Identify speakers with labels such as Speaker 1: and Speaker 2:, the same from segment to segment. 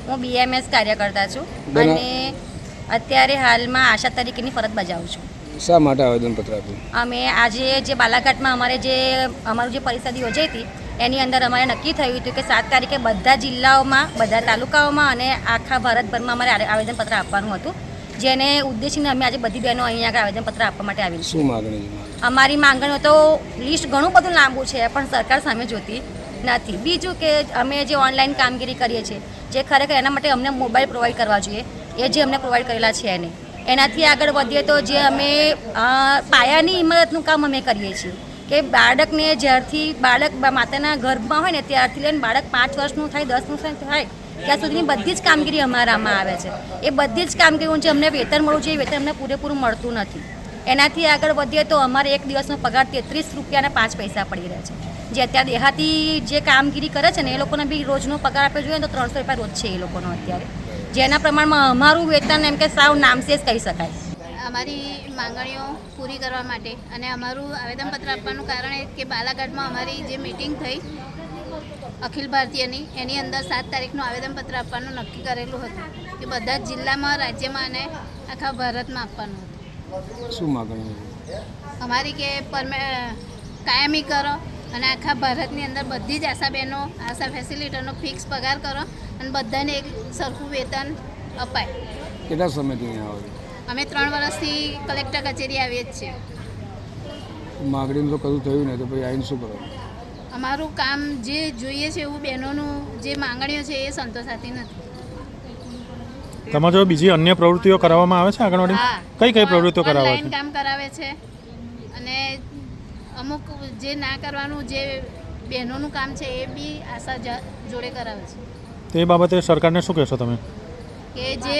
Speaker 1: હું BMS કાર્યકર્તા છું અને અત્યારે હાલમાં આશા તરીકેની ફરજ બજાવું છું.
Speaker 2: શા માટે આવેદનપત્ર આપ્યું?
Speaker 1: અમે આજે જે બાલાઘાટમાં અમારું જે પરિષદ યોજાઈ હતી એની અંદર અમારે નક્કી થયું હતું કે 7 તારીખે બધા જિલ્લાઓમાં, બધા તાલુકાઓમાં અને આખા ભારતભરમાં અમારે આવેદનપત્ર આપવાનું હતું, જેને ઉદ્દેશીને અમે આજે બધી બહેનો અહીંયા આગળ આવેદનપત્ર આપવા માટે આવી છે.
Speaker 2: શું માગણી છે?
Speaker 1: અમારી માંગણીઓ તો લિસ્ટ ઘણું બધું લાંબુ છે, પણ સરકાર સામે જોતી નથી. બીજું કે અમે જે ઓનલાઈન કામગીરી કરીએ છીએ, જે ખરેખર એના માટે અમને મોબાઈલ પ્રોવાઈડ કરવા જોઈએ, એ જે અમને પ્રોવાઈડ કરેલા છે એને એનાથી આગળ વધીએ તો જે અમે પાયાની ઇમારતનું કામ અમે કરીએ છીએ કે બાળકને જ્યારથી બાળક માતાના ગર્ભમાં હોય ને ત્યારથી લઈને બાળક 5 વર્ષનું થાય, 10 વર્ષનું થાય ત્યાં સુધીની બધી જ કામગીરી અમારામાં આવે છે. એ બધી જ કામગીરીનું જે અમને વેતન મળવું જોઈએ, વેતન અમને પૂરેપૂરું મળતું નથી. એનાથી આગળ વધીએ તો અમારે એક દિવસનો પગાર 33 રૂપિયાના 5 પૈસા પડી રહે છે. જે અત્યારે દેહાતી જે કામગીરી કરે છે ને એ લોકોને બી રોજનો પગાર આપવો જોઈએ તો 300 રૂપિયા રોજ છે એ લોકોનો અત્યારે, જેના પ્રમાણમાં અમારું વેતન એમ કે સાવ નામશેષ કહી શકાય.
Speaker 3: અમારી માંગણીઓ પૂરી કરવા માટે અને અમારું આવેદનપત્ર આપવાનું કારણ એ કે બાલાઘાટમાં અમારી જે મિટિંગ થઈ અખિલ ભારતીયની એની અંદર 7 તારીખનું આવેદનપત્ર આપવાનું નક્કી કરેલું હતું કે બધા જ જિલ્લામાં, રાજ્યમાં અને આખા ભારતમાં આપવાનું હતું.
Speaker 2: શું માગણી?
Speaker 3: અમારી કે કાયમી કરો અને આખા ભારતની અંદર બધી જ આશા બહેનો, આશા ફેસિલિટીનો ફિક્સ પગાર કરો અને બધાને એક સરખું વેતન અપાય.
Speaker 2: કેટલા સમયથી અહીંયા આવો છો?
Speaker 3: અમે 3 વર્ષથી કલેક્ટર કચેરી આવીએ જ છીએ.
Speaker 2: માગણીનું તો કશું થયું નહીં તો પછી આવીને શું કરો?
Speaker 3: અમારું કામ જે જોઈએ છે એવું બહેનોનું જે માંગણીઓ છે એ સંતોષાતી નથી.
Speaker 4: તમારા જો બીજી અન્ય પ્રવૃત્તિઓ કરાવવામાં આવે છે આંગણવાડી? કઈ પ્રવૃત્તિઓ કરાવે છે?
Speaker 3: ઓનલાઈન કામ કરાવે છે અને અમુક જે ના કરવાનું જે બહેનોનું કામ છે એ બી આશા જોડે કરાવે છે.
Speaker 4: તો એ બાબતે સરકારને શું કહેશો તમે?
Speaker 3: કે જે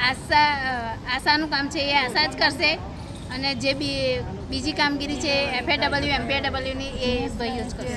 Speaker 3: આશાનું કામ છે એ આશા જ કરશે અને જે બીજી કામગીરી છે FAW, MPW ની એ ભાઈઓ જ કરશે.